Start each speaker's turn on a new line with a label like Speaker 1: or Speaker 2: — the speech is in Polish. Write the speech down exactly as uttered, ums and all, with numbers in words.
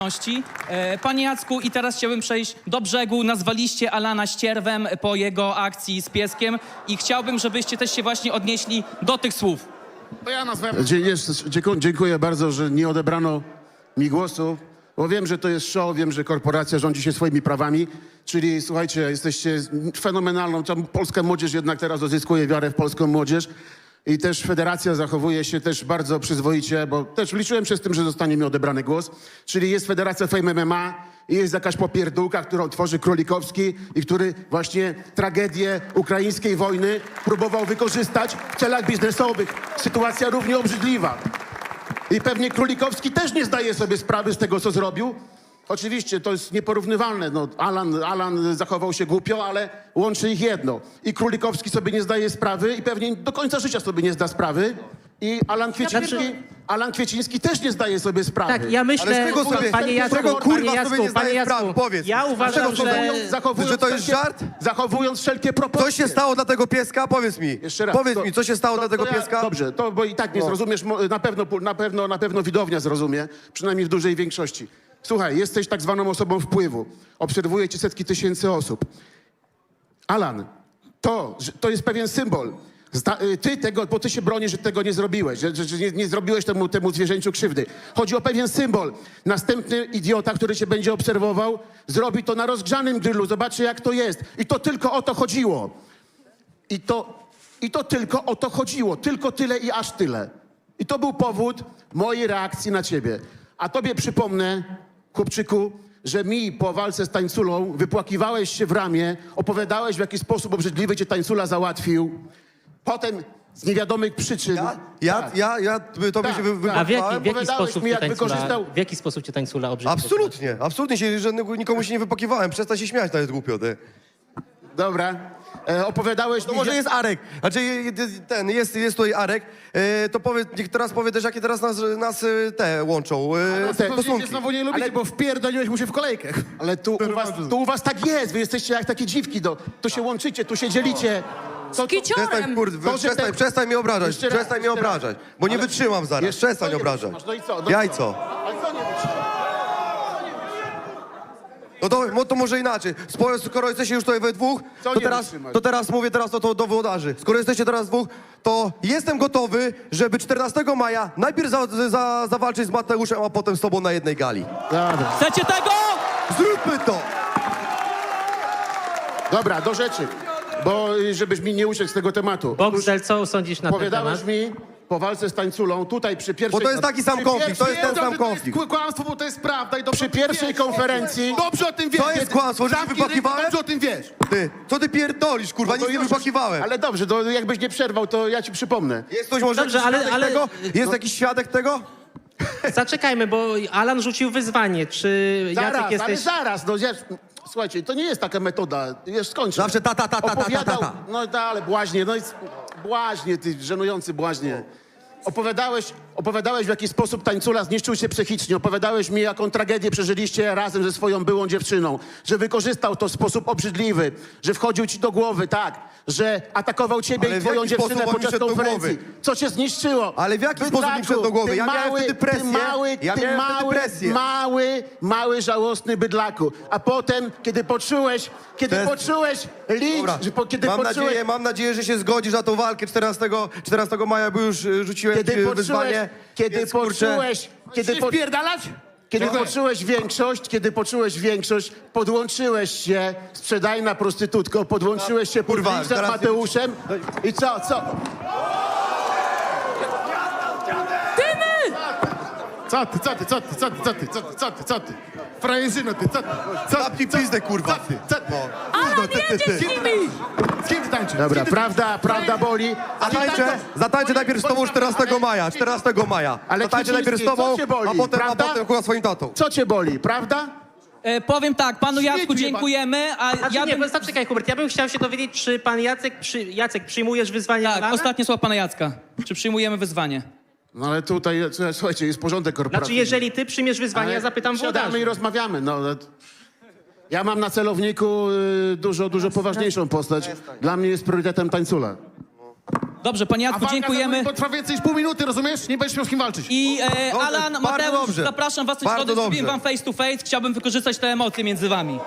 Speaker 1: E, Panie Jacku, i teraz chciałbym przejść do brzegu. Nazwaliście Alana ścierwem po jego akcji z pieskiem i chciałbym, żebyście też się właśnie odnieśli do tych słów.
Speaker 2: To ja nazwałem...
Speaker 3: Dzie- jest- dziękuję, dziękuję bardzo, że nie odebrano mi głosu, bo wiem, że to jest show, wiem, że korporacja rządzi się swoimi prawami, czyli słuchajcie, jesteście fenomenalną, tam polska młodzież jednak teraz odzyskuje wiarę w polską młodzież i też federacja zachowuje się też bardzo przyzwoicie, bo też liczyłem się z tym, że zostanie mi odebrany głos, czyli jest Federacja Fame M M A i jest jakaś popierdółka, którą tworzy Królikowski i który właśnie tragedię ukraińskiej wojny próbował wykorzystać w celach biznesowych. Sytuacja równie obrzydliwa. I pewnie Królikowski też nie zdaje sobie sprawy z tego, co zrobił. Oczywiście to jest nieporównywalne. No, Alan, Alan zachował się głupio, ale łączy ich jedno. I Królikowski sobie nie zdaje sprawy i pewnie do końca życia sobie nie zda sprawy. I Alan Kwieciński, Alan Kwieciński też nie zdaje sobie sprawy.
Speaker 4: Tak, ja myślę,
Speaker 2: Ale z czego sobie-
Speaker 4: panie
Speaker 2: z
Speaker 4: Jacku,
Speaker 2: czego, kurwa,
Speaker 4: panie
Speaker 2: sobie
Speaker 4: Jacku,
Speaker 2: nie zdaje
Speaker 4: panie
Speaker 2: sprawy?
Speaker 4: Jacku,
Speaker 2: Powiedz.
Speaker 4: ja uważam,
Speaker 2: Dlaczego
Speaker 4: że...
Speaker 2: sobie-
Speaker 3: Zachowując
Speaker 2: Że to jest
Speaker 3: wszelkie-
Speaker 2: żart?
Speaker 3: Zachowując wszelkie proporcje.
Speaker 2: Co się stało dla tego pieska? Powiedz mi.
Speaker 3: Jeszcze raz.
Speaker 2: Powiedz
Speaker 3: to-
Speaker 2: mi, co się stało
Speaker 3: to-
Speaker 2: dla tego
Speaker 3: to ja-
Speaker 2: pieska?
Speaker 3: Dobrze, to bo i tak nie
Speaker 2: No.
Speaker 3: zrozumiesz, mo- na pewno, na pewno, na pewno widownia zrozumie, przynajmniej w dużej większości. Słuchaj, jesteś tak zwaną osobą wpływu. Obserwuje cię setki tysięcy osób. Alan, to, że- to jest pewien symbol. Zda, y, ty tego, bo ty się bronisz, że tego nie zrobiłeś, że, że, że nie, nie zrobiłeś temu, temu zwierzęciu krzywdy. Chodzi o pewien symbol. Następny idiota, który cię będzie obserwował, zrobi to na rozgrzanym grillu, zobaczy jak to jest. I to tylko o to chodziło. I to, I to tylko o to chodziło. Tylko tyle i aż tyle. I to był powód mojej reakcji na ciebie. A tobie przypomnę, chłopczyku, że mi po walce z tańculą wypłakiwałeś się w ramię, opowiadałeś, w jaki sposób obrzydliwy cię tańcula załatwił. Potem z niewiadomych przyczyn...
Speaker 2: Ja? Ja?
Speaker 3: Tak.
Speaker 2: Ja? Ja? Tobie
Speaker 3: Tak,
Speaker 2: się wy,
Speaker 3: tak.
Speaker 4: A w jaki,
Speaker 2: wypakowałem?
Speaker 4: w jaki
Speaker 3: Opowiadałeś
Speaker 4: sposób
Speaker 3: mi,
Speaker 4: cię
Speaker 3: jak
Speaker 4: tańcula,
Speaker 3: wykorzystał-
Speaker 4: w jaki sposób cię tańcula obrzydził?
Speaker 2: Absolutnie, absolutnie się żadnego, nikomu się nie wypakiwałem. Przestań się śmiać, to jest głupio, ty.
Speaker 3: Dobra. E, opowiadałeś
Speaker 2: To
Speaker 3: mi...
Speaker 2: może jest Arek. Znaczy je- je- ten, jest, jest tutaj Arek. E, to powie, niech teraz powie też, jakie teraz nas, nas e, te łączą e,
Speaker 3: te
Speaker 2: stosunki.
Speaker 3: znowu nie lubicie,
Speaker 2: Ale-
Speaker 3: bo wpierdoliłeś mu się w kolejkę. Ale tu u, was, tu u was tak jest, wy jesteście jak takie dziwki, do, tu się łączycie, tu się dzielicie. To, to,
Speaker 2: Przestań, kurde,
Speaker 3: To, że
Speaker 2: przestań,
Speaker 3: te-
Speaker 2: przestań mnie obrażać,
Speaker 3: Jeszcze raz,
Speaker 2: przestań mnie
Speaker 3: jeszcze raz.
Speaker 2: obrażać, bo nie
Speaker 3: Ale-
Speaker 2: wytrzymam zaraz,
Speaker 3: Jeszcze-
Speaker 2: przestań
Speaker 3: co nie
Speaker 2: obrażać.
Speaker 3: wytrzymasz? No i co? No
Speaker 2: Jajco.
Speaker 3: Ale co nie wytrzymasz?
Speaker 2: No to, no to może inaczej. Spo- Skoro jesteście już tutaj we dwóch,
Speaker 3: Co
Speaker 2: to
Speaker 3: nie
Speaker 2: teraz,
Speaker 3: wytrzymasz?
Speaker 2: to teraz mówię teraz to, to do włodarzy. Skoro jesteście teraz dwóch, to jestem gotowy, żeby czternastego maja najpierw za, za, zawalczyć z Mateuszem, a potem z tobą na jednej gali.
Speaker 3: Dobra.
Speaker 1: Chcecie tego?
Speaker 2: Zróbmy to!
Speaker 3: Dobra, do rzeczy, bo y, żebyś mi nie uciekł z tego tematu.
Speaker 4: Boxdel, co sądzisz na ten
Speaker 3: Powiadałeś
Speaker 4: temat?
Speaker 3: mi po walce z tańculą, tutaj przy pierwszej...
Speaker 2: Bo to jest taki sam
Speaker 3: przy
Speaker 2: konflikt, to
Speaker 3: pierwszej-
Speaker 2: jest ten sam konflikt.
Speaker 5: Kłamstwo, bo to jest prawda i dobrze
Speaker 3: Przy pierwszej konferencji...
Speaker 5: Dobrze o tym wiesz.
Speaker 2: To jest kłamstwo, że się
Speaker 5: Zamknij ryj,
Speaker 2: wypakiwałem?
Speaker 5: Dobrze o tym wiesz.
Speaker 2: Ty, co ty pierdolisz, kurwa,
Speaker 3: No to
Speaker 2: nic nie
Speaker 3: już-
Speaker 2: wypakiwałem.
Speaker 3: Ale dobrze, to jakbyś nie przerwał, to ja ci przypomnę.
Speaker 2: Jest ktoś może
Speaker 4: Dobrze,
Speaker 2: jakiś
Speaker 4: ale-
Speaker 2: świadek
Speaker 4: ale-
Speaker 2: tego? Jest
Speaker 4: no-
Speaker 2: jakiś świadek tego?
Speaker 4: Zaczekajmy, bo Alan rzucił wyzwanie. Czy
Speaker 3: Zaraz,
Speaker 4: Jacek
Speaker 3: ale
Speaker 4: jesteś...
Speaker 3: zaraz, no ja, słuchajcie, to nie jest taka metoda, już skończę.
Speaker 2: Zawsze ta, ta, ta, ta, ta, ta,
Speaker 3: Opowiadał,
Speaker 2: ta.
Speaker 3: no da, ale błaźnie, no i s- błaźnie, ty żenujący błaźnie. Opowiadałeś, opowiadałeś, w jaki sposób tańcula zniszczył się psychicznie. Opowiadałeś mi, jaką tragedię przeżyliście razem ze swoją byłą dziewczyną. Że wykorzystał to w sposób obrzydliwy. Że wchodził ci do głowy, tak. Że atakował ciebie
Speaker 2: Ale
Speaker 3: i
Speaker 2: w
Speaker 3: twoją
Speaker 2: jaki
Speaker 3: dziewczynę
Speaker 2: sposób on mi
Speaker 3: podczas
Speaker 2: wszedł do
Speaker 3: konferencji.
Speaker 2: głowy?
Speaker 3: Co cię zniszczyło?
Speaker 2: Ale w jaki
Speaker 3: Bydlaku,
Speaker 2: sposób mi wszedł do głowy?
Speaker 3: ty
Speaker 2: Ja miałem
Speaker 3: mały,
Speaker 2: wtedy presję.
Speaker 3: Ty mały,
Speaker 2: Ja
Speaker 3: ty
Speaker 2: miałem wtedy
Speaker 3: mały,
Speaker 2: presję.
Speaker 3: mały, mały, żałosny bydlaku. A potem, kiedy poczułeś, kiedy
Speaker 2: To jest-
Speaker 3: poczułeś lincz,
Speaker 2: Dobra,
Speaker 3: że po, kiedy
Speaker 2: mam,
Speaker 3: poczułeś...
Speaker 2: nadzieję, mam nadzieję, że się zgodzisz na tą walkę czternastego, czternastego maja, bo już e, rzuciłem
Speaker 3: Kiedy
Speaker 2: ci
Speaker 3: poczułeś,
Speaker 2: wyzwanie.
Speaker 3: kiedy
Speaker 2: więc, kurczę,
Speaker 3: poczułeś, kiedy, po,
Speaker 5: Wpierdalać?
Speaker 3: kiedy
Speaker 5: Dziękuję.
Speaker 3: poczułeś większość, kiedy poczułeś większość, podłączyłeś się, sprzedajna prostytutko, podłączyłeś się pod
Speaker 2: Kurwa,
Speaker 3: linczem
Speaker 2: teraz-
Speaker 3: Mateuszem i co, co?
Speaker 5: Co ty, co ty, co ty, co ty, co ty, co ty, co ty, co ty? Frajerzyno ty, co ty? Co
Speaker 2: Zamknij pizdę, kurwa.
Speaker 5: Co ty, co ty?
Speaker 2: No.
Speaker 5: Alan, jedziesz z nimi! Z kim ty tańczysz?
Speaker 3: Dobra,
Speaker 5: Z kim ty
Speaker 3: prawda, prawda boli.
Speaker 2: Zatańczę, zatańczę najpierw z tobą czternastego maja, czternastego maja.
Speaker 3: Ale
Speaker 2: Zatańczę najpierw z
Speaker 3: Kwieciński,
Speaker 2: tobą,
Speaker 3: co cię boli,
Speaker 2: a potem, a
Speaker 3: prawda?
Speaker 2: potem chyba swoim tatą.
Speaker 3: Co cię boli, prawda?
Speaker 1: E, powiem tak, panu Jacku
Speaker 5: Śmieciu
Speaker 1: dziękujemy, a
Speaker 4: Znaczy,
Speaker 1: ja
Speaker 4: nie,
Speaker 1: bym...
Speaker 4: bo zaczekaj, Hubert, ja bym chciał się dowiedzieć, czy pan Jacek, przy... Jacek przyjmujesz wyzwanie
Speaker 1: Tak,
Speaker 4: Alana?
Speaker 1: ostatnie słowa pana Jacka. Czy przyjmujemy wyzwanie?
Speaker 3: No ale tutaj, słuchajcie, jest porządek
Speaker 4: Znaczy,
Speaker 3: korporacyjny.
Speaker 4: jeżeli ty przyjmiesz wyzwanie,
Speaker 3: Ale
Speaker 4: ja zapytam
Speaker 3: siadamy
Speaker 4: włodarzy.
Speaker 3: i rozmawiamy, no. ale- Ja mam na celowniku y, dużo, dużo poważniejszą postać. Dla mnie jest priorytetem tańcula.
Speaker 1: Dobrze, panie
Speaker 5: A
Speaker 1: Jacku,
Speaker 5: walka
Speaker 1: dziękujemy.
Speaker 5: za mną potrwa więcej niż pół minuty, rozumiesz? Nie będziesz miał z kim walczyć.
Speaker 1: I e,
Speaker 2: Dobrze,
Speaker 1: Alan,
Speaker 2: bardzo
Speaker 1: Mateusz,
Speaker 2: dobrze.
Speaker 1: zapraszam was do
Speaker 2: Bardzo
Speaker 1: środy, zrobiłem
Speaker 2: dobrze.
Speaker 1: wam face to face. Chciałbym wykorzystać te emocje między wami.